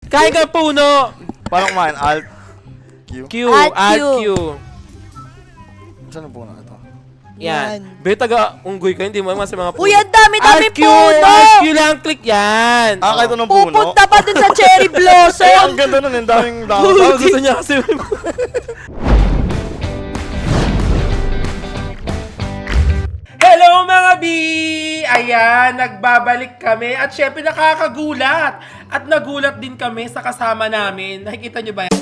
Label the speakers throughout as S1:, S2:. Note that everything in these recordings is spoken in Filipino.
S1: Kain ka puno.
S2: Paano kumain? Alt Q.
S1: Alt Q.
S2: Saan ang puno ito?
S1: Yan. Be, taga-unggoy ka, hindi mo naman sa mga puno.
S3: Uy, ang dami-dami puno!
S1: Alt Q lang, click yan.
S2: Kahit anong puno?
S3: Pupunta pa dun sa cherry blossom!
S2: Ang ganda nun, ang daming dahon.
S1: Oh, gusto niya kasi. Hello mga B! Ayan, nagbabalik kami at syempre nakakagulat. At nagulat din kami sa kasama namin. Nakikita niyo ba yan?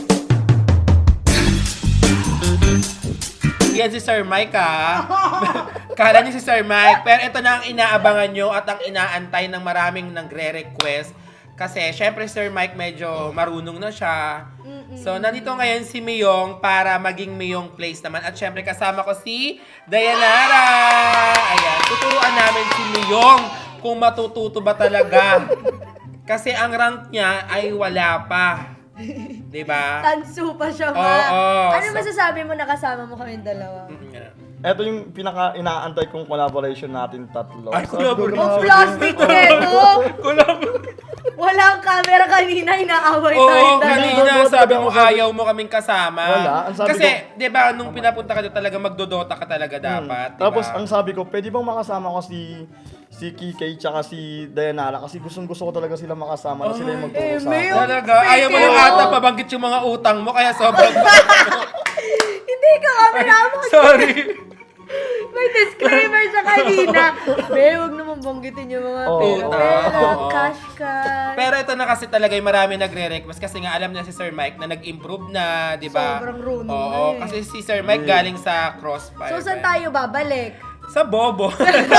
S1: Yan si Sir Mike Kala niyo si Sir Mike. Pero ito na ang inaabangan nyo at ang inaantay ng maraming nagre-request. Kasi syempre Sir Mike medyo marunong na siya. So nandito ngayon si Miyong para maging Miyong Place naman. At syempre kasama ko si Dayanara. Ayan, tuturuan namin si Miyong kung matututo ba talaga. Kasi ang rank niya ay wala pa. Diba?
S3: Tansu pa siya, ma.
S1: Oo.
S3: Ano masasabi mo nakasama mo kami dalawa?
S2: Ito yung pinaka-inaantay kong collaboration natin tatlo.
S1: Ay, collaboration.
S3: Oh, plastic neto! Walang camera kanina, inaaway tayo
S1: Oo,
S3: dahil.
S1: kanina sabi mo ayaw mo kaming kasama.
S2: Wala, ang sabi
S1: Kasi, di ba, nung pinapunta ka doon talaga, magdodota ka talaga dapat. Diba?
S2: Tapos ang sabi ko, pwede bang makasama ko si Kikay tsaka si Dayanara kasi gustong-gusto ko talaga sila makasama na sila yung magturo sa akin.
S1: Talaga, ayaw mo yung ata pabanggit yung mga utang mo, kaya sobrang
S3: Hindi ka camera mo.
S1: Sorry.
S3: May disclaimer siya kanina. Be, huwag naman banggitin yung mga pera.
S1: Oo.
S3: Cash.
S1: Pero ito na kasi talaga yung marami nagre-request kasi nga alam na si Sir Mike na nag-improve na, di ba?
S3: Sobrang runong
S1: Oo,
S3: na eh.
S1: kasi si Sir Mike galing sa Crossfire.
S3: So, saan tayo babalik?
S1: Sa Bobo.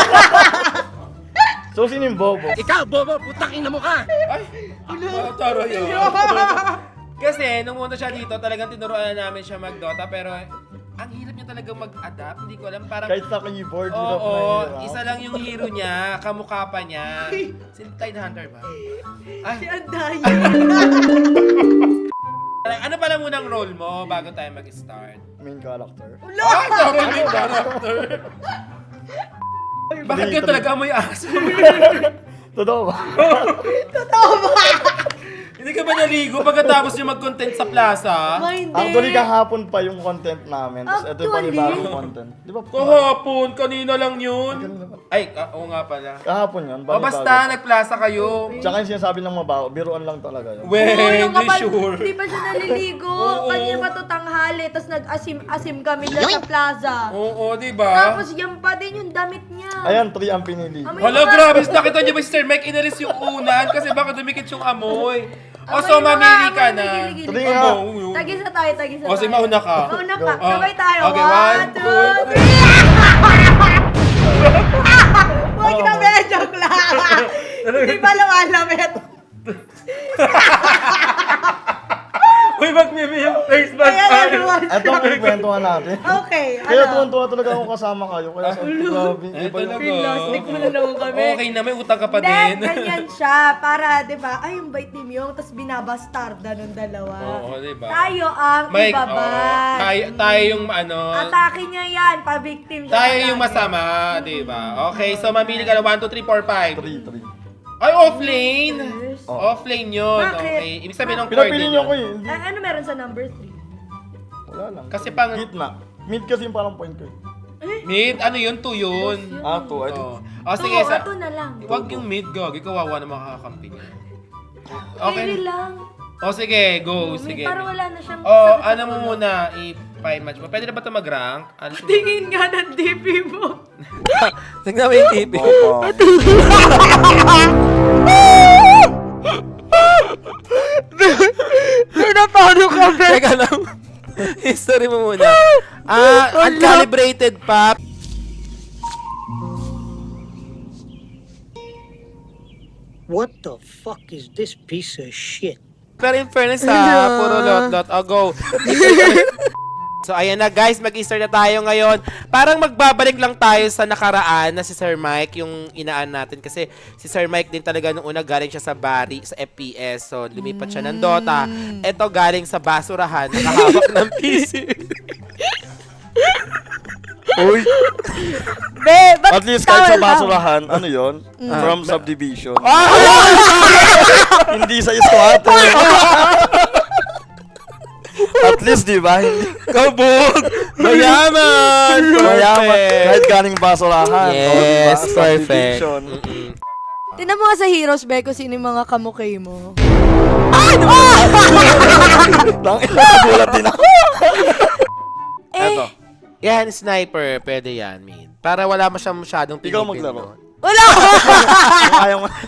S2: So, sino yung Bobo?
S4: Ikaw, bobo, putang ina mo ka!
S1: Ay, taro yun. Kasi, nung muna siya dito, talagang tinuruan namin siya mag-Dota, pero ang hirap niya talagang mag-adapt. Hindi ko alam, parang...
S2: Kahit sa keyboard,
S1: Oo, isa lang yung hero niya, kamukha pa niya. Si Tide Hunter ba? Ay,
S3: Si Anday.
S1: ano pala munang role mo bago tayo mag-start?
S2: Main character.
S1: Ah, sorry, main character. Bakit ka talaga may aso?
S2: Totoo ba?
S3: Totoo ba?
S1: Hindi ka ba naligo pagkatapos yung mag-content sa plaza?
S3: Hindi.
S2: Actually, kahapon pa yung content namin. Tapos ito yung
S3: Actually?
S2: panibagong content. Di ba?
S1: Kahapon, kanina lang yun.
S2: Kanina pa.
S1: Ay, oo nga pala.
S2: Kahapon yun.
S1: O basta, nagplaza kayo.
S2: Tsaka yung sinasabi ng mabaho, biruan lang talaga yun.
S1: Well, di sure.
S3: Hindi pa siya naliligo.
S1: Oo.
S3: Kanina pa to tanghali. Tapos nag-asim-asim kami dyan sa plaza.
S1: Oo, di ba?
S3: Tapos yan pa din yung damit niya.
S2: Ayan, 3 ang pinili.
S3: Amoy
S1: Hala,
S3: mga-
S1: grabe. Nakita niyo ba si Sir Mike inalis yung unan kasi baka dumikit yung amoy. O,
S3: Amoy
S1: so
S3: mga
S1: mamili ka
S3: amoy,
S1: na.
S3: gigil-gil.
S2: Tuloy nga.
S3: Tagisa tayo, tagisa
S1: O, sige, mauna ka.
S3: Mauna ka.
S1: Go.
S3: Sabay tayo.
S1: Okay, 1, 2, 3.
S3: Huwag na be, joke lang. Hindi pa lumalamit.
S1: Uy, mag-mimi yung face mask.
S3: Ayan, everyone.
S2: Ito ang kwentuhan natin.
S3: Okay,
S2: Kaya
S3: ano?
S2: tuwan-tuwa talaga ako kasama kayo. Kaya sa grabe. Hindi pa yung...
S3: Plastic mo na naman kami.
S1: Okay na, may utang ka pa
S3: Hindi,
S1: din.
S3: ganyan siya. Para, di ba, ay, yung bait ni Myung, tapos binabastarda ng dalawa.
S1: Oo, di ba?
S3: Tayo ang
S1: Mike,
S3: ibabas.
S1: tayo yung ano,
S3: Atake niya yan, pa-victim siya.
S1: tayo
S3: palagi.
S1: yung masama, di ba? Okay, so mamili ka na 1, 2, 3, 4, 5.
S2: 3.
S1: Ay, offlane!
S3: Yes.
S1: Offlane yun.
S3: Bakit?
S1: Okay. Ibig sabihin ng card
S2: Pinapili
S1: din
S2: niyo
S1: yun.
S2: ko eh. Hindi.
S3: Ano meron sa number 3?
S2: Wala lang.
S1: Kasi pang
S2: Gitna. Mid kasi yung parang point ko eh.
S1: mid, ano yun? 2 yun.
S2: Ah, 2. Ay,
S1: Oh. O sige, sa...
S3: Ito na lang.
S1: Huwag yung mid, gag. Kawawa na makakakampi niya.
S3: Okay. lang.
S1: O sige, go. Sige.
S3: Para wala na siyang...
S1: O,
S3: sakit
S1: ano
S3: sa
S1: mo
S3: ulo.
S1: muna, i-match mo. Pwede na ba ito mag-rank? Ano
S3: Tingin nga ng DP mo.
S1: Tignan mo yung TV.
S2: Opo.
S3: Pinapano ka, be?
S1: Teka lang. History mo muna. Uncalibrated pa.
S4: What the fuck is this piece of shit?
S1: Pero in fairness ha, puro lot-lot. O, go. So, ayan na guys, mag-start na tayo ngayon. Parang magbabalik lang tayo sa nakaraan na si Sir Mike, yung inaan natin. Kasi si Sir Mike din talaga nung una galing siya sa Bari, sa FPS. So, lumipat siya ng Dota. Ito galing sa basurahan, nakahawak ng PC.
S2: Uy.
S3: Be, ba't
S2: At least kahit sa
S3: tawel lang?
S2: basurahan, ano yon? From subdivision.
S1: Ah!
S2: Hindi sa iskwato. At least, di ba? Hindi.
S1: Kabog! Mayaman!
S2: Mayaman.
S1: Perfect!
S2: Kahit galing basurahan.
S1: Yes,
S2: o, diba?
S1: perfect.
S2: Subdivision.
S3: Tinan mo nga sa Heroes, Be, kung sino yung mga kamukhay mo.
S2: Lang, nagulat din ako. Eto.
S1: Yan, sniper. Pwede yan, min. Para wala mo siyang masyadong
S2: Ikaw
S1: pinipin
S2: maglaro.
S1: doon.
S3: Wala!
S2: Kung ayaw mo.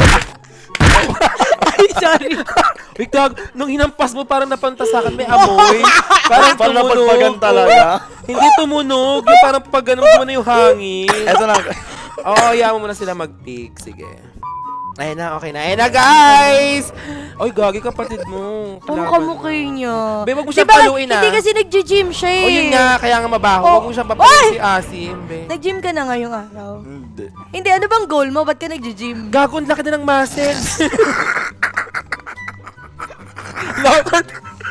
S3: Ay, sorry.
S1: Wait, dog, nung hinampas mo parang napunta sa akin, may amoy. Parang
S2: Parang
S1: tumunog.
S2: napagpagan talaga.
S1: Hindi tumunog. Yung parang pag ganun mo na yung hangin.
S2: Eto na.
S1: Oo, hayaan mo muna sila mag-pick. Sige. Ayun na, okay na. Ayun na, guys! Oy, gagi kapatid mo.
S3: Ang kamukhay niya.
S1: Be, wag mo siyang
S3: Diba,
S1: paluin,
S3: Hindi kasi nag-gym siya eh.
S1: O yun nga, kaya nga mabaho.
S3: Oh.
S1: Huwag mo siyang papalit
S3: Oy!
S1: si Asim, be.
S3: Nag-gym ka na ngayong araw.
S2: Hindi.
S3: Hindi, ano bang goal mo? Ba't ka nag-gym?
S1: Gago, ang laki na ng muscles. Lakad.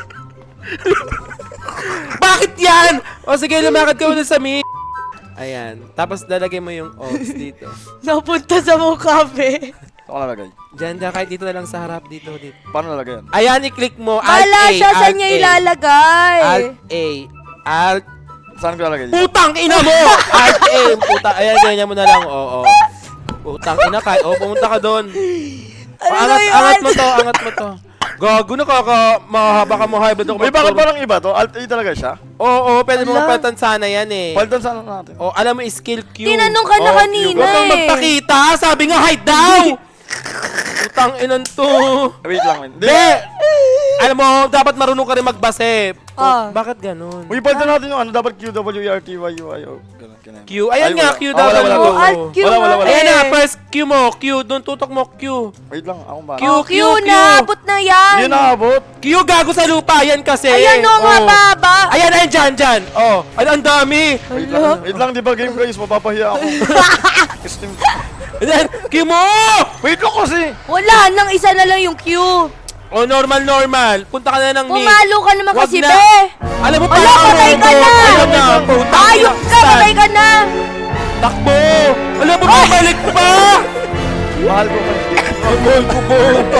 S1: Bakit yan? O sige, lumakad ka muna sa mid. Ayan. Tapos lalagay mo yung oats dito.
S3: Napunta sa mukha, Be.
S2: Ako nalagay.
S1: Diyan, kahit dito na lang sa harap. Dito.
S2: Paano nalagay yan?
S1: Ayan, i-click mo.
S3: Wala siya, saan niya ilalagay?
S1: Alt-A. Alt.
S2: Saan ko lalagay?
S1: Putang ina mo! Alt-A. Puta. Ayan, ganyan mo na lang. Oo. Putang ina ka. O, pumunta ka doon. Angat mo to. Angat mo to. Gago, mahaba ka mo high blood ako.
S2: Uy, bakit parang iba to? Alt-A talaga siya?
S1: Oo, pwede mo
S3: Ala.
S1: mapalitan sana yan eh.
S2: Palitan sana natin.
S1: O, alam mo, skill Q.
S3: Tinanong ka na
S1: Oh,
S3: kanina
S1: Huwag kang
S3: eh.
S1: magpakita. Sabi nga, hide daw! Putang inan to.
S2: Wait lang, wait.
S1: Hindi! Alam mo, dapat marunong ka rin magbase.
S3: Ah.
S1: Bakit ganun?
S2: Uy, palitan natin yung ano, dapat QWERTY. Ganun, ganun.
S1: Q. Ayan
S2: Ay,
S1: nga,
S2: wala.
S1: Q
S2: Ah, wala,
S1: daw.
S2: wala,
S3: Oh, Alt Q
S2: Wala, wala,
S3: nga
S2: wala.
S1: Ayan na,
S3: eh.
S1: first Q mo. Q. Doon tutok mo, Q.
S2: Wait lang, akong ba?
S1: Q.
S3: Oh, Q na, abot na yan.
S2: Hindi naabot.
S1: Q, gago sa lupa. Yan kasi.
S3: Ayan o, nga
S1: Oh.
S3: baba.
S1: Ayan, dyan. Oh, ang dami.
S2: Wait lang, di ba game guys? Mapapahiya ako. Steam.
S1: Ayan, Q mo!
S2: Wait lang kasi.
S3: Wala, nang isa na lang yung Q.
S1: Oh, normal. Punta ka na ng mid.
S3: Pumalo ka naman
S1: Wag
S3: kasi,
S1: na.
S3: Be.
S1: Alam mo,
S3: Wala,
S1: parang
S3: patay ka
S1: robot.
S3: na.
S1: Ayan na, putang
S3: Ayok
S1: ina,
S3: ka,
S1: stan.
S3: patay ka na.
S1: Takbo! Alam mo, bumalik pa!
S2: Mahal ko pa yung game.
S1: Ang mahal ko po.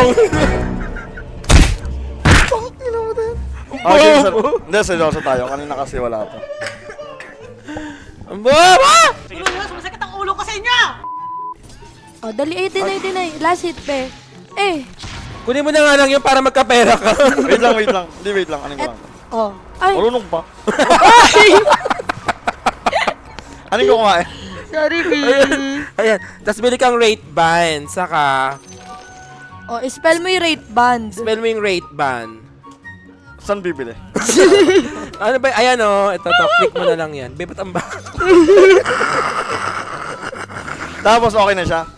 S2: Okay, sir. Hindi, seryoso tayo. Kanina kasi wala pa.
S1: Ang baba!
S3: Oh, dali, 89. Last hit, Be. Eh,
S1: Kunin mo na nga lang yun para magkapera ka.
S2: Wait lang. Hindi, wait lang. Aning ko lang.
S3: oh. Ay,
S2: Marunong pa. Aning ko kumain.
S3: sorry, B.
S1: Ayan. Tapos bili kang rate band. Saka,
S3: Oh, spell mo yung rate band.
S1: spell mo yung rate band.
S2: Saan bibili?
S1: Ano ba? Ayan o. Ito, click mo na lang yan. Bebat ang ba?
S2: Tapos okay na siya.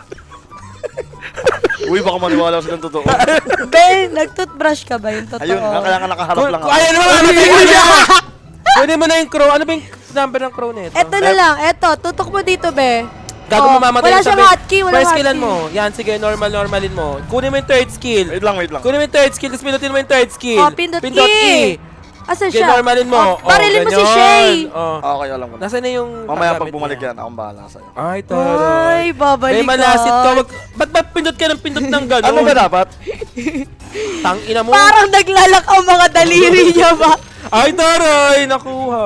S2: Uy, baka maniwala silang totoo.
S3: Be, nag-toothbrush ka ba yung totoo?
S2: Ayun, kaya nga nakaharap lang ako.
S1: Ayan mo, mamatay ka na! Kunin mo na yung crow. Ano ba yung number ng crow nito?
S3: Eto na lang, eto, tutok mo dito, Be.
S1: Gago
S3: Oh,
S1: mo mamatay
S3: wala
S1: yung
S3: siyang
S1: sabi.
S3: hotkey, walang
S1: First skillan
S3: hotkey.
S1: mo. Yan, sige, normalin mo. Kunin mo yung third skill.
S2: Wait lang.
S1: Kunin mo yung third skill, tapos pinutin mo yung third skill.
S3: Oh, pindot E. Asan
S1: Sige,
S3: siya?
S1: normalin mo.
S3: Oh, barilin mo si
S1: ganyan.
S3: Shay.
S1: Oh.
S2: Okay, alam ko na.
S1: Nasaan na yung
S2: Mamaya
S1: paggamit
S2: pag bumalik
S1: niya?
S2: yan, akong bahala sa'yo.
S1: Ay, taray.
S3: Ay, babalik
S1: May malasit ka. Ba't ba pindot ka ng pindot ng gano'n?
S2: Ano ba dapat?
S1: Tang ina mo.
S3: Parang naglalak ang mga daliri niya ba?
S1: Ay, taray. Nakuha.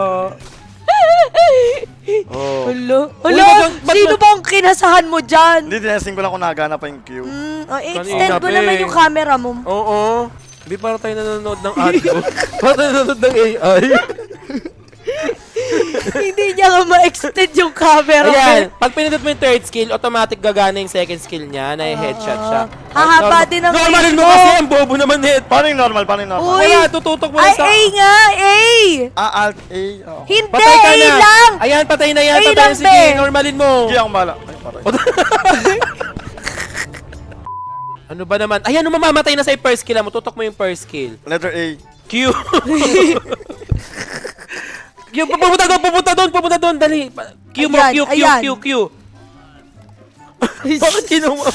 S1: Oh.
S3: Hello?
S1: Uy,
S3: Hello?
S1: ba't-
S3: Sino ba ang kinasahan mo dyan?
S2: Hindi, tinesting ko lang kung nagana pa yung queue.
S3: Extend ko
S1: Kanina,
S3: naman
S1: Be.
S3: yung camera mo.
S1: Oo. Hindi para tayo nanonood ng audio. Para tayo nanonood ng AI.
S3: Hindi niya nga ma-extend yung camera.
S1: Ayan, pag pinindot mo yung third skill, automatic gagana yung second skill niya na headshot siya.
S3: Hahaba din ang
S1: Normalin
S3: range
S1: mo
S3: mo.
S1: kasi, ang bobo naman nito.
S2: Paano yung normal?
S3: Uy.
S1: Wala, tututok mo
S3: Ay,
S1: lang sa...
S3: A nga! A!
S2: Alt A. Oh.
S3: Hindi!
S1: Patay ka
S3: A
S1: na.
S3: lang!
S1: Ayan, patay na yan.
S3: Ay,
S1: Patay
S3: lang,
S1: na. Sige,
S3: be.
S1: normalin mo.
S2: Sige, akong bahala. Ay, patay.
S1: Ano ba naman? Ayan, nung mamamatay na sa first skill mo, tutok mo yung first skill.
S2: Letter A.
S1: Q. Q, pupunta doon, dali. Q mo,
S3: Ayan, ayan.
S1: Q. Bakit kinuha?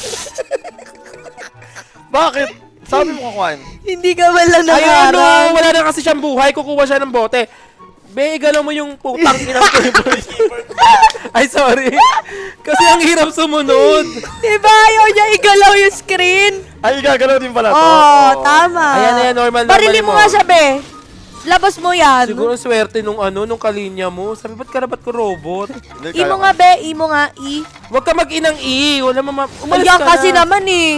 S2: Bakit? Sabi mo kukuhain.
S3: Hindi ka man lang
S1: Ayun,
S3: nakaharang.
S1: wala na kasi siyang buhay, kukuha siya ng bote.
S5: Be, igalaw mo yung putang inang ko yung Ay, sorry. Kasi ang hirap sumunod.
S3: Diba ayaw niya igalaw yung screen?
S2: Ay, gagalaw din pala to.
S3: Oo, tama.
S5: Ayan, normal
S3: Barilin mo nga siya, be. Labas mo yan.
S5: Siguro ang swerte nung kalinya mo. Sabi, ba't ko robot?
S2: Hindi,
S3: Imo
S2: kaya
S3: nga,
S2: ko.
S3: be. Imo nga, i.
S5: Huwag ka mag-inang i. Wala umalis
S3: Ayan
S5: ka
S3: kasi
S5: na.
S3: naman eh.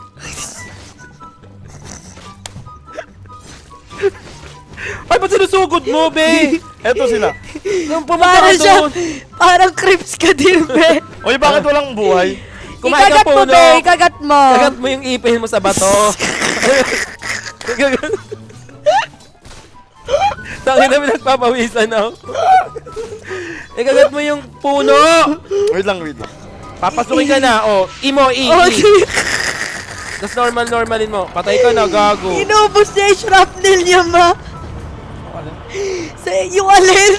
S5: Ay, ba't sinusugod mo, be?
S2: Eto sila.
S5: Nung pumunta
S3: Parang
S5: ka
S3: siya,
S5: doon.
S3: parang creeps ka din, be.
S2: Oy, bakit walang buhay?
S5: Kumain ka
S3: Ikagat mo,
S5: puno.
S3: be. Ikagat mo.
S5: Kagat mo yung ipin mo sa bato. Tangin na pinagpapawisan ako. Ikagat mo yung puno.
S2: Wait lang.
S5: Papasukin ka na. Oh, imo,
S3: Oh,
S5: Tapos normalin mo. Patay ka na, gago.
S3: inubos niya yung shrapnel niya, ma. Sa yung alin.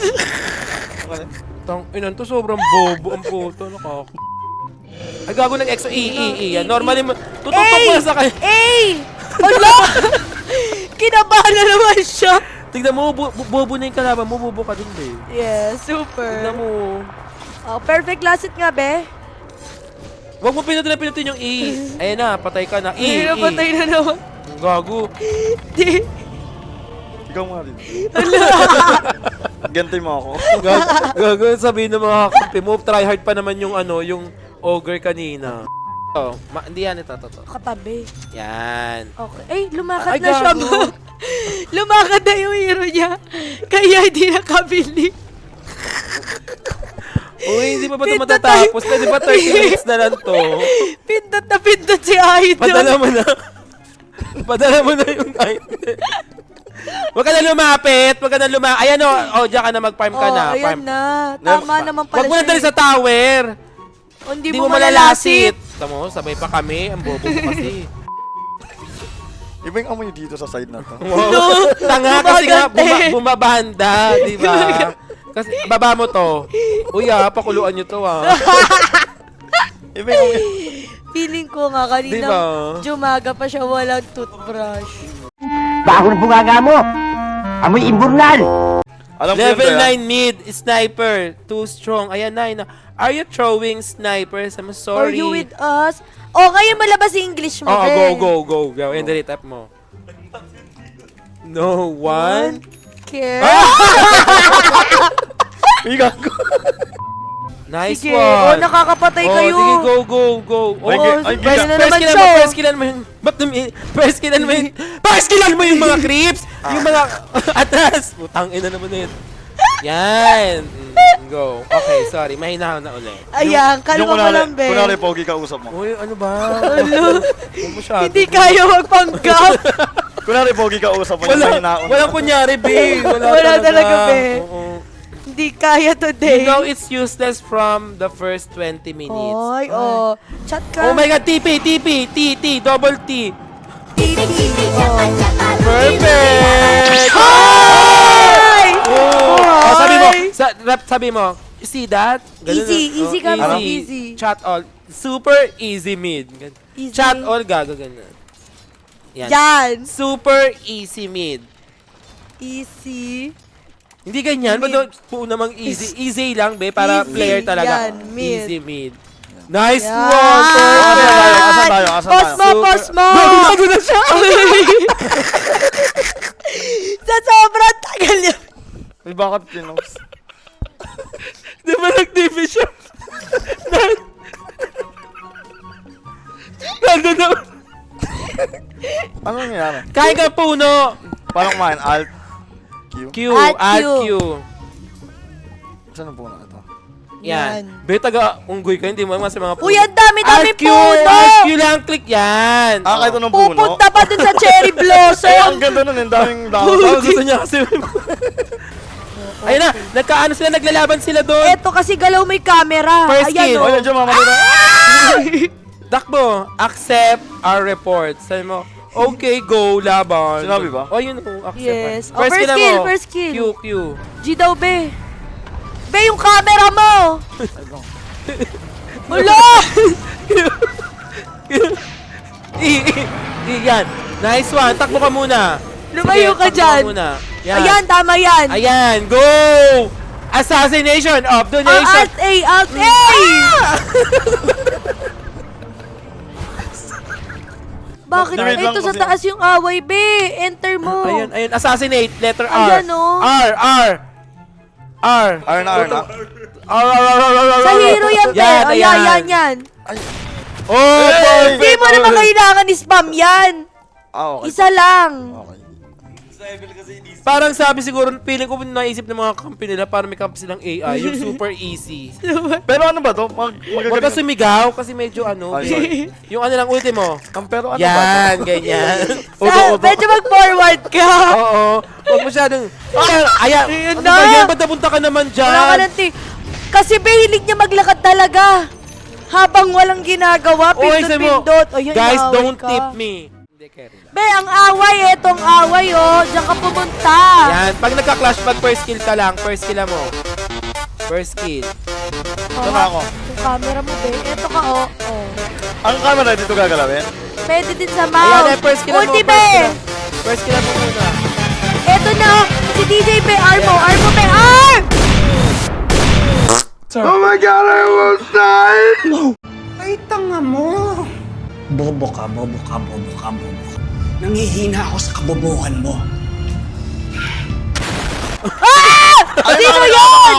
S5: Inan to, sobrang bobo ang puto. Ay, gago ng exo. Yan. Normalin mo. Tututok mo na sa kanya.
S3: Hala! Kinabahan na naman siya.
S5: Tignan mo, bobo na yung kalaban mo. Bobo ka din, be.
S3: Yeah, super.
S5: Tignan mo.
S3: Oh, perfect last hit nga, be.
S5: Huwag mo pinutin yung E. Ayan na, patay ka na.
S3: Ay, napatay na naman.
S5: Gago.
S3: Di.
S2: Ikaw nga rin. Gantay mo ako.
S5: Gago, sabihin ng mga kakampi mo, try hard pa naman yung yung ogre kanina. Oh, hindi yan ito.
S3: Katabi.
S5: Yan.
S3: Okay. Ay, lumakad
S5: Ay,
S3: na siya,
S5: gago.
S3: ma. Lumakad na yung hero niya. Kaya hindi nakabili.
S5: Uy, hindi pa ba ito
S3: Pindot
S5: matatapos? Pwede ba 30 minutes na lang to?
S3: Pindot na pindot si Idol.
S5: Padala mo na. Padala mo na yung item. Huwag ka na lumapit. Ayan o, diyan ka na mag-farm ka na.
S3: Oh, ayan
S5: Farm.
S3: na. Tama naman pala
S5: Huwag mo na
S3: siya
S5: dali
S3: eh.
S5: sa tower.
S3: Oh, hindi
S5: Hindi
S3: mo
S5: mo
S3: malalasit.
S5: malalasit. Tamo, sabay pa kami. Ang bobo mo kasi.
S2: Iba yung amoy dito sa side na to.
S5: Wow. Tanga kasi nga
S3: Gumagante.
S5: bumabanda, di ba? Kasi baba mo to. Uy, pakuluan nyo to,
S2: Iba yung amoy.
S3: Feeling ko nga kanina
S5: Diba?
S3: Jumaga pa siya walang toothbrush.
S6: Bago ng bungaga mo! Amoy imburnal!
S2: Alam ko
S5: Level
S2: yun, kaya.
S5: 9 mid, sniper, too strong. Ayan na. Are you throwing snipers? I'm sorry.
S3: Are you with us? Oh, ngayon malabas yung English mo,
S5: Oh,
S3: Ben.
S5: go. And dali, tap mo. No one.
S3: Care?
S2: Iga ko.
S5: Nice
S3: Sige.
S5: one.
S3: Oh, nakakapatay kayo.
S5: Sige, go. Oh,
S2: Ay,
S3: pwede na
S5: first
S3: naman
S5: killan
S3: siya.
S5: mo, first killan mo yung... Ba't first killan mo yung mga creeps! Yung mga... Atras! Putang ina naman na yun. Yan. Go. Okay, sorry. Mahina na ulit.
S3: Ayan, kalma mo lang, Ben.
S2: Kunwari, pogi ka usap mo.
S5: Uy, ano ba?
S3: Ano?
S5: Huwag masyado.
S3: Hindi kaya magpanggap.
S2: Kunwari, pogi ka usap mo.
S5: Walang kunyari, B.
S3: Wala talaga, be.
S5: Oo.
S3: Hindi kaya
S5: You
S3: today.
S5: know it's useless from the first 20 minutes.
S3: Oy, oh. Chat ka.
S5: Oh my God, TP, double T.
S3: Oh.
S5: Perfect!
S3: Ay!
S5: Oh, sabi mo,
S3: Ay!
S5: sabi mo, you see that?
S3: Easy ka,
S5: easy.
S3: easy.
S5: Chat all. Super easy mid.
S3: Easy.
S5: Chat all, gago ganun. Yan.
S3: Yan.
S5: Super easy mid.
S3: Easy.
S5: Hindi ganyan,
S3: Mid.
S5: ba po namang easy. Easy lang, be, para
S3: Easy.
S5: player talaga.
S3: Yan, mid.
S5: Easy mid. Nice
S3: Yan.
S5: one! Perfect!
S2: Asan tayo?
S3: Pause mo,
S5: Super.
S3: pause mo.
S5: Gago na siya!
S3: Sa sobrang tagal niya.
S2: Ay, bakit pinos?
S5: Di ba nag-TV siya? Nandun na.
S2: Ano nangyayari?
S5: Kain ka puno!
S2: Paano kumain? Alt? Q?
S5: Q,
S3: Alt
S5: Alt
S3: Q.
S5: Q.
S2: Saan ang puno ito?
S5: Yan. Be, taga-unggoy ka, hindi mo sa mga puno.
S3: Uy, ang dami-dami
S5: Alt Q!
S3: puno.
S5: Alt Q lang, click yan!
S2: Ah, kahit anong puno?
S3: Pupunta pa dun sa cherry
S2: Ang
S3: blossom.
S2: ganda nun, ang daming
S5: Oh,
S2: dahon.
S5: gusto niya kasi. Ayun na, naglalaban sila doon.
S3: Eto kasi galaw may camera.
S5: First
S3: Ayan,
S5: kill.
S3: oh.
S2: Ay, nandiyan, mama na.
S5: Takbo, accept our report. Sabi mo, okay, go, laban.
S2: Sinabi ba?
S5: Oh, yun, accept.
S3: Yes.
S5: First,
S3: Oh, first
S5: kill,
S3: kill,
S5: mo.
S3: first kill.
S5: Q.
S3: G daw, be. Be, yung camera mo. Wala!
S5: Yan. Nice one. Takbo ka muna.
S3: Lumayo ka
S5: takbo
S3: dyan.
S5: muna. Yan.
S3: Ayan, tama yan.
S5: Ayan, go! Assassination of the nation!
S3: Alt A, Alt A! Bakit?
S2: Wait lang
S3: Ito sa
S2: kasi-
S3: taas yung away, be. Enter mo.
S5: Ayun, ayun, assassinate, letter R.
S3: Ayan, oh.
S5: R, R. R.
S2: R na.
S5: R, R.
S3: Sa hero yan, be.
S5: Yan,
S3: Ayan, yan.
S5: Oh,
S2: Hey!
S3: Hindi mo naman kailangan spam yan.
S2: Okay.
S3: Isa lang.
S2: Okay.
S5: Parang sabi siguro, feeling ko naisip ng mga company nila, parang may company silang AI, yung super easy.
S2: Pero ano ba to?
S5: Huwag ka
S2: Magagaling.
S5: sumigaw kasi medyo ano,
S2: Ay, sorry.
S5: yung ano lang ultimo.
S2: Pero ano ba
S5: Yan,
S2: to?
S5: ganyan.
S3: Medyo mag-forward ka.
S5: Oo, huwag masyadong, ayan,
S3: Ayun
S5: ano
S3: na.
S5: ba yan? Ba't napunta ka naman
S3: Wala ka
S5: dyan?
S3: ng Kasi be, hilig niya maglakad talaga. Habang walang ginagawa,
S5: Oy, sabi mo,
S3: pindot-pindot. O, yun,
S5: guys,
S3: inaaway
S5: don't
S3: ka.
S5: tip me. Hindi, carry lang.
S3: Be, ang away, etong away, oh. Diyan ka pumunta.
S5: Yan, pag nagka-clash, pag first kill ka lang, first kill mo. First kill.
S2: Ito na ako.
S3: Yung camera mo, be. Eto ka, oh. Oh.
S2: Ang camera dito gagalawin?
S3: Pwede din sa
S5: Ayan,
S3: mouse.
S5: eh, first kill mo,
S3: Ulti,
S5: first
S3: be.
S5: kill. First kill mo muna.
S3: Eto na, oh. Si DJ, be. Armo, Armo, be. Arm!
S2: Oh my God, I almost died!
S7: Ay, tanga mo. Bobo ka. Nangihina ako sa kabobohan mo.
S3: Sino yun?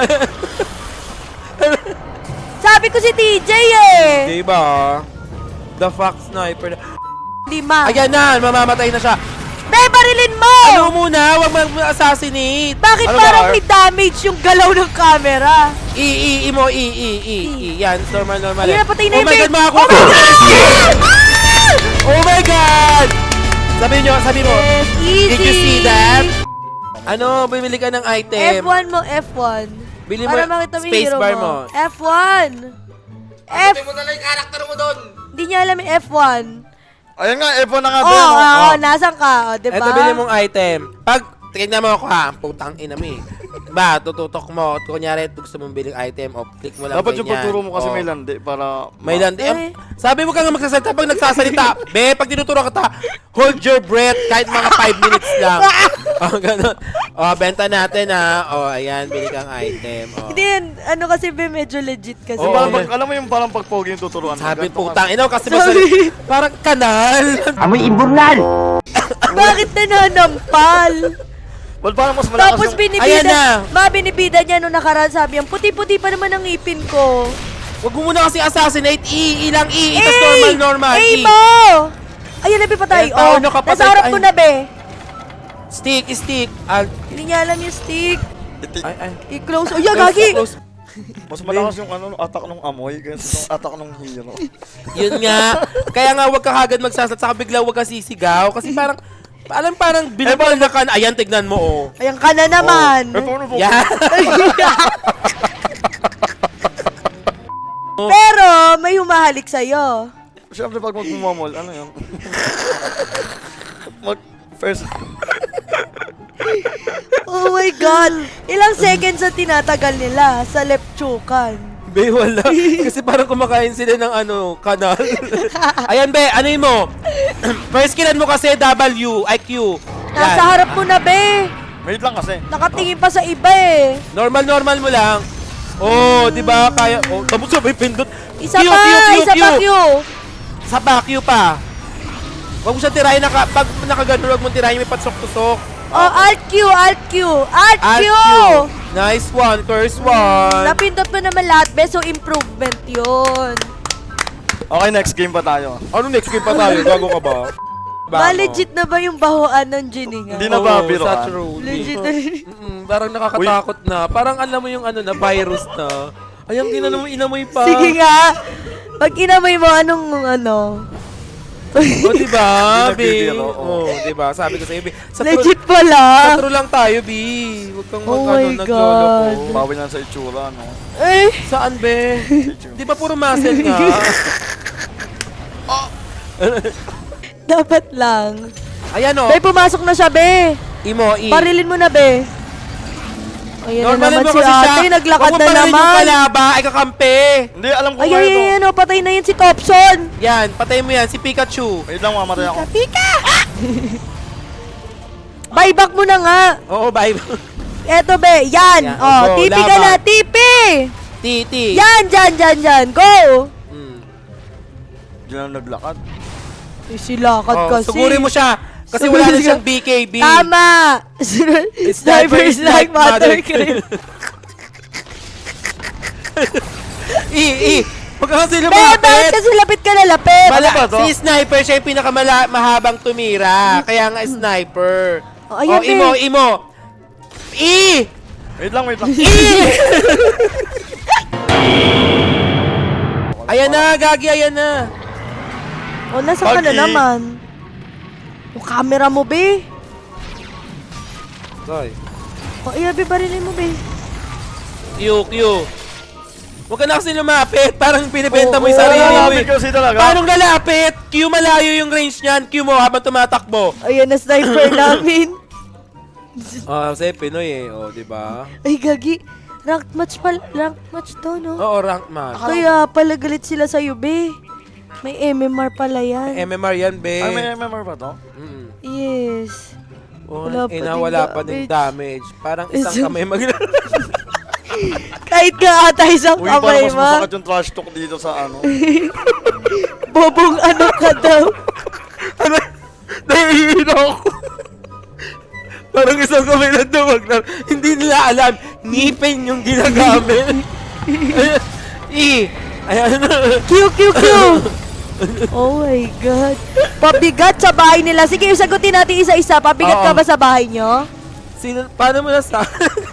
S3: Sabi ko si TJ, eh.
S5: Diba? The Fox Sniper.
S3: 5.
S5: Ayan na, mamamatay na siya.
S3: Be, barilin mo!
S5: Ano muna, wag mag-assassinate.
S3: Bakit
S2: Ano
S3: parang
S2: ba,
S3: may damage yung galaw ng camera?
S5: I mo, Yan, normal.
S3: Ayun na, patay na
S5: Oh
S3: yung
S5: my
S3: bed.
S5: God, makakuha
S3: Oh my
S5: ka.
S3: God!
S5: Oh my God! Sabi mo.
S3: Yes, easy.
S5: Did you see that? Ano, bumili ka ng item.
S3: F1 mo, F1.
S5: Bili mo,
S3: Para makita mo yung
S5: space
S3: hero
S5: bar
S3: mo.
S5: mo.
S3: F1.
S1: mo na lang yung karakter mo doon.
S3: Hindi niya alam yung F1.
S2: Ayun nga, F1 na nga
S3: Oo,
S2: din.
S3: oh, nasan ka? O, diba?
S5: Ito, bili mong item. Pag, tignan mo ako ha, putang ina mo eh. Diba, tututok mo. Kunyari, gusto mong biling item, o click mo lang
S2: Dapat yung
S5: ganyan.
S2: pagturo mo kasi
S5: Oh.
S2: may landi para...
S5: May landi.
S3: Eh.
S5: Sabi mo ka nga magsasalita pag nagsasalita. Be, pag tinuturo ka hold your breath kahit mga 5 minutes lang. O, ganun. O, benta natin ha. O, ayan, bili kang item. O.
S3: Hindi yan, ano kasi be, medyo legit kasi.
S5: Oo.
S2: Parang alam mo yung parang pagpogi yung tuturuan. mo.
S5: Sabi,
S2: Ganito
S5: putang
S2: kasi.
S5: ina, kasi
S3: Sorry.
S5: parang kanal.
S6: Amoy imburnal!
S3: Bakit nananampal?
S2: Well, parang mas malakas
S3: Tapos
S2: yung...
S5: Ayan na.
S3: binibida niya nung nakaraan, sabi niya, puti-puti pa naman ang ngipin ko.
S5: Huwag mo muna kasi assassinate. I lang I. Tapos normal.
S3: Eh
S5: I.
S3: mo! Ayan na, be, patay.
S5: Ayan, tao,
S3: Oh,
S5: nakapatay.
S3: nasa harap ko
S5: Ay.
S3: na, be.
S5: Stick.
S3: Hindi niya alam yung stick.
S5: Ay.
S3: I-close. Oh, yeah, gagi!
S5: Close.
S2: Mas malakas yung ano, attack ng amoy kaysa yung attack ng hero.
S5: Yun nga. Kaya nga, huwag ka agad magsasalita. Saka bigla huwag ka sisigaw. Kasi parang binabal na ka. Ayan, tignan mo, oh.
S3: Ayan ka na naman.
S2: Eh, paano po?
S5: Yan.
S3: Pero, may humahalik sa'yo.
S2: Siyempre pag magmumamol, ano yun? First...
S3: Oh my God! Ilang seconds ang tinatagal nila sa lepchukan.
S5: Be, wala. Kasi parang kumakain sila ng kanal. Ayan, be, ano yun mo? First killan mo kasi W, IQ.
S3: Nasa harap mo na, be.
S2: Wait lang kasi.
S3: Nakatingin pa sa iba eh.
S5: Normal mo lang. Oh, di ba? Kaya, oh, tapos sabay pindot.
S3: Isa
S5: Q,
S3: pa,
S5: Q, Q,
S3: isa
S5: Q.
S3: pa, Q.
S5: Sa back, Q pa. Huwag mo siya tirahin, pag nakagano, huwag mo tirahin, may patsok-tusok.
S3: Oh, Alt Q, Alt Q, Alt
S5: Alt
S3: Q.
S5: Q. Nice one, curse one.
S3: Napindot mo naman lahat, be. So, improvement yun.
S2: Okay, next game pa tayo.
S5: Ano next game pa tayo? Gago ka ba?
S3: Legit na ba yung bahuan ng Jininga?
S2: Hindi na ba biro
S5: sa
S2: ka?
S5: true.
S3: Legit na.
S5: Parang nakakatakot na. Parang alam mo yung na virus na. Ayang inamoy pa.
S3: Sige nga. Pag inamay mo, anong
S5: O, diba, B?
S2: Hindi nagbibiro,
S5: O, diba? Sabi ko sa'yo, B. Sa
S3: legit
S5: Sa
S3: pala.
S5: true lang tayo, B. Huwag kang
S3: Oh my
S5: naglolo
S3: God.
S5: ko.
S2: Bawi na sa itsura, no?
S3: Eh,
S5: Saan, be? Di ba puro muscle nga?
S3: dapat lang.
S5: Ayan, o.
S3: Be, pumasok na siya, be.
S5: Imo, I.
S3: Parilin mo na, be. Ayan na
S5: Normalin
S3: naman
S5: mo
S3: si
S5: kasi siya.
S3: ate, naglakad
S5: Huwag mo
S3: na
S5: parilin yung
S3: naman.
S5: kalaba, ay kakampi.
S2: Hindi, alam ko
S3: Ay,
S2: kayo to.
S3: ay, ay, patay na yan si Topson.
S5: Yan, patay mo yan, si Pikachu.
S2: Wait lang, mamatay ako.
S3: Pika! Buyback mo na nga.
S5: Oo, bye.
S3: Eto, be. Yan.
S5: Yan.
S3: Oh,
S5: Go,
S3: tipi ka
S5: laban.
S3: na. Tipi!
S5: Titi.
S3: Yan, dyan. Go!
S5: Mm.
S2: Diyan lang naglakad.
S3: Silakad
S5: Oh,
S3: kasi.
S5: sugurin mo siya. Kasi wala na siyang BKB.
S3: Tama! Snipers like mother cream.
S5: Huwag ka kasi
S3: Be, bakit
S5: lumapit.
S3: kasi lapit ka na lapit?
S2: ba to?
S5: Si sniper siya yung pinakamahabang tumira. Kaya nga sniper.
S3: Oh, ayan, be.
S5: Imo.
S2: Wait lang.
S5: Ayan na, Gagi, ayan na.
S3: O, nasa ka na
S2: Pagi.
S3: naman? Yung camera mo, be.
S5: Sorry.
S3: O, be, barilin mo, be.
S5: Q. Huwag ka na kasi lumapit. Parang binibenta mo yung
S3: Oo,
S5: sarili mo.
S2: Lalapit kasi talaga.
S5: Paano lalapit? Q, malayo yung range niyan. Q mo habang tumatakbo.
S3: Ayan na sniper namin.
S5: Kasi Pinoy eh. Di ba?
S3: Ay, gagi. Ranked match to, no?
S5: Oo, rank match.
S3: Kaya pala galit sila sa'yo, be. May MMR pala yan.
S5: MMR yan, be.
S2: Ay, may MMR ba to?
S5: Mm.
S3: Yes.
S5: Oh,
S3: Wala pa
S5: wala pa
S3: ding
S5: din damage. Parang isang kamay
S3: Kahit ka ata isang
S2: Uy, parang
S3: kamay
S2: mas
S3: mo.
S2: masakit yung trash talk dito sa ano.
S3: Bobong ano ka daw.
S5: Nahihilo ako. Parang isang kamay lang duwag na. Hindi nila alam. Ngipin yung ginagamit. Ayan na.
S3: Q. Oh my God. Pabigat sa bahay nila. Sige, sagutin natin isa-isa. Pabigat ka
S5: Oo.
S3: ba sa bahay nyo?
S5: Paano mo nasa?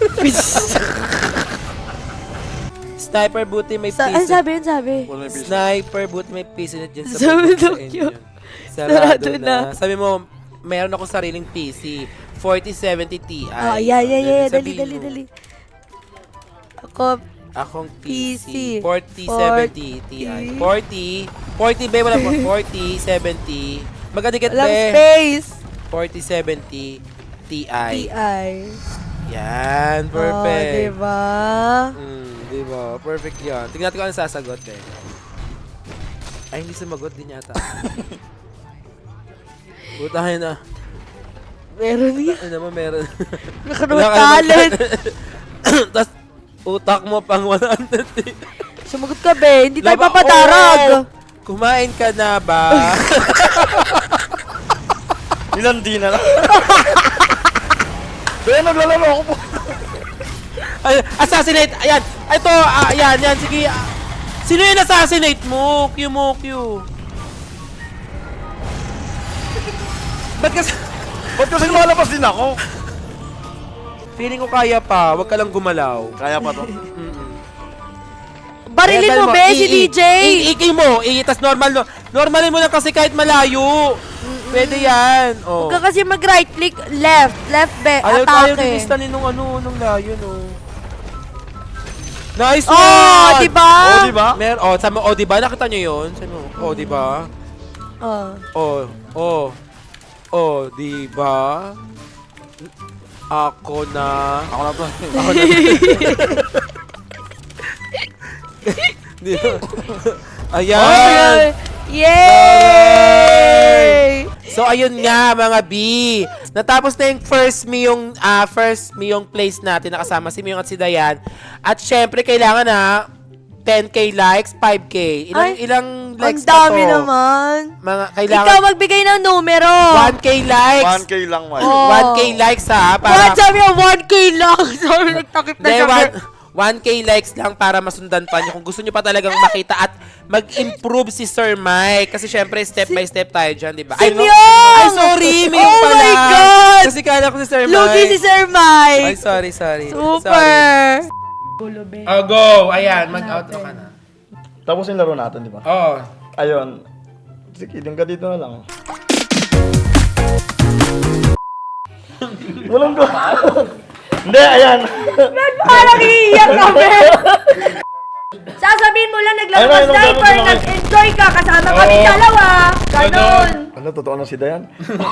S5: Sniper buti may
S3: Ano
S5: piso.
S3: sabi?
S2: Wala yung piso.
S5: Sniper buti may piso na dyan sa
S3: Sabi
S5: bundok sa
S3: daw
S5: inyo.
S3: cute.
S5: Sarado
S3: Sarado
S5: na.
S3: na.
S5: Sabi mo, meron akong sariling PC. 4070 Ti.
S3: Oh, yeah.
S5: Sabihin
S3: Dali.
S5: mo.
S3: Ako,
S5: Akong
S3: PC.
S5: PC. 4070 Ti. 40 ba? Wala po. 4070. Magkadikit
S3: walang
S5: be.
S3: space.
S5: 4070 Ti.
S3: TI.
S5: Yan. Perfect.
S3: Oh, diba?
S5: Diba? Perfect yan. Tingnan natin kung ano sasagot eh. Ay, hindi sumagot din yata. Putahin na.
S3: Meron yan.
S5: Ano naman meron?
S3: Nakaroon
S5: Wala ka naman
S3: talent.
S5: Tapos, utak mo pang 100.
S3: Sumagot ka, be. Hindi tayo
S5: Laba-
S3: papatarag.
S5: Oo! Kumain ka na ba?
S2: Nilandi na lang. Kaya naglalaro ako po.
S5: Ay, assassinate! Ayan! Ito! Yan! Sige! Sino yung assassinate mo? Q mo, Q. Ba't kasi...
S2: Ba't kasi lumalabas din ako?
S5: Feeling ko kaya pa. Huwag ka lang gumalaw.
S2: Kaya pa to.
S3: Barilin
S5: Ayan,
S3: mo, be, si DJ.
S5: I-key mo. Tas normal. Normalin mo na kasi kahit malayo. Pwede yan. Oh.
S3: Huwag ka kasi mag-right click, left. Left, be.
S5: Ayaw tayo
S3: Atake.
S5: lilistanin nung layo, no. Nice
S3: Oh,
S5: one!
S3: diba?
S2: Oh, di ba?
S5: Sabi mo, diba? Nakita nyo yun? Sabi mo, diba?
S3: Oh.
S5: Diba? Ako na.
S2: Ako na to.
S5: Diba? Ayan!
S3: Ay, yay!
S5: So ayun nga mga B. Natapos na yung first Miyong place natin nakasama si Miyong at si Dayan. At syempre kailangan na 10k likes, 5k. Ilang
S3: Ang
S5: likes pa to?
S3: dami naman.
S5: Mga kailangan
S3: Ikaw magbigay ng numero.
S5: 1k likes.
S2: 1K lang, man.
S3: Oh.
S5: 1k likes ha
S3: What?
S5: para
S3: Sabi niya, 1K lang. Sorry, nagtakip na
S5: Hindi,
S3: siya.
S5: 1k likes lang para masundan pa niyo kung gusto niyo pa talagang makita at mag-improve si Sir Mike. Kasi syempre, step by step tayo dyan, di ba?
S3: Si
S5: no?
S3: Myong!
S5: Ay, sorry! Myong
S3: Oh
S5: pala!
S3: my God!
S5: Kasi kala ko si Sir Mike.
S3: Lugi si Sir
S5: Ay,
S3: Mike.
S5: sorry.
S3: Super.
S1: Oh, go! Ayan, mag-outro ka na.
S2: Tapos yung laro natin, di ba?
S1: Oo.
S2: Ayun. Sige, din ka dito na lang. Walang go. Hindi, ayan.
S3: Parang iiyak kami. Sasabihin mo lang naglaro
S2: Ayun,
S3: ka
S2: ayun,
S3: sniper,
S2: ayun, ayun.
S3: nag-enjoy ka, kasama kami
S1: Oo.
S3: dalawa. Ganon.
S2: Ano, totoo na si Dayan?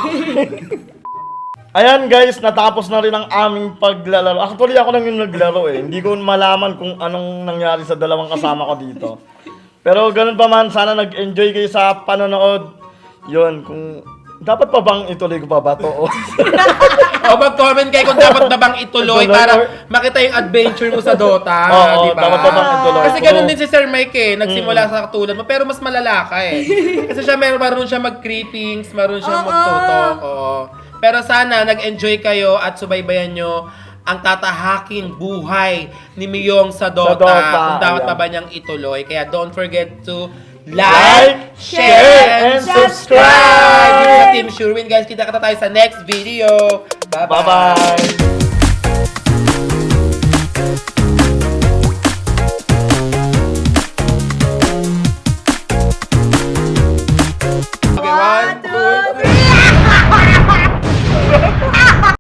S2: Ayan guys, natapos na rin ang aming paglalaro. Actually, ako lang yung naglaro eh. Hindi ko malaman kung anong nangyari sa dalawang kasama ko dito. Pero ganun pa man, sana nag-enjoy kayo sa panonood. Yun, kung Dapat pa bang ituloy ko pa ba to?
S1: O mag-comment kayo kung dapat na bang ituloy
S2: Ituloy
S1: para
S2: or-
S1: makita yung adventure mo sa Dota.
S2: Oo,
S1: di ba?
S2: dapat pa bang ituloy
S1: Kasi
S2: ko?
S1: ganun din si Sir Mike eh. Nagsimula sa katulad mo, pero mas malala ka eh. Kasi siya marunong siya mag-creepings, marunong siya magtutok. Oo. Pero sana nag-enjoy kayo at subaybayan nyo ang tatahaking buhay ni Miyong sa Dota.
S2: Dota,
S1: Kung dapat
S2: ayan.
S1: pa ba niyang ituloy. Kaya don't forget to
S2: Like, share, and subscribe!
S1: Dito sa Team Sherwin guys, kita tayo sa next video. Bye-bye!
S2: Bye-bye!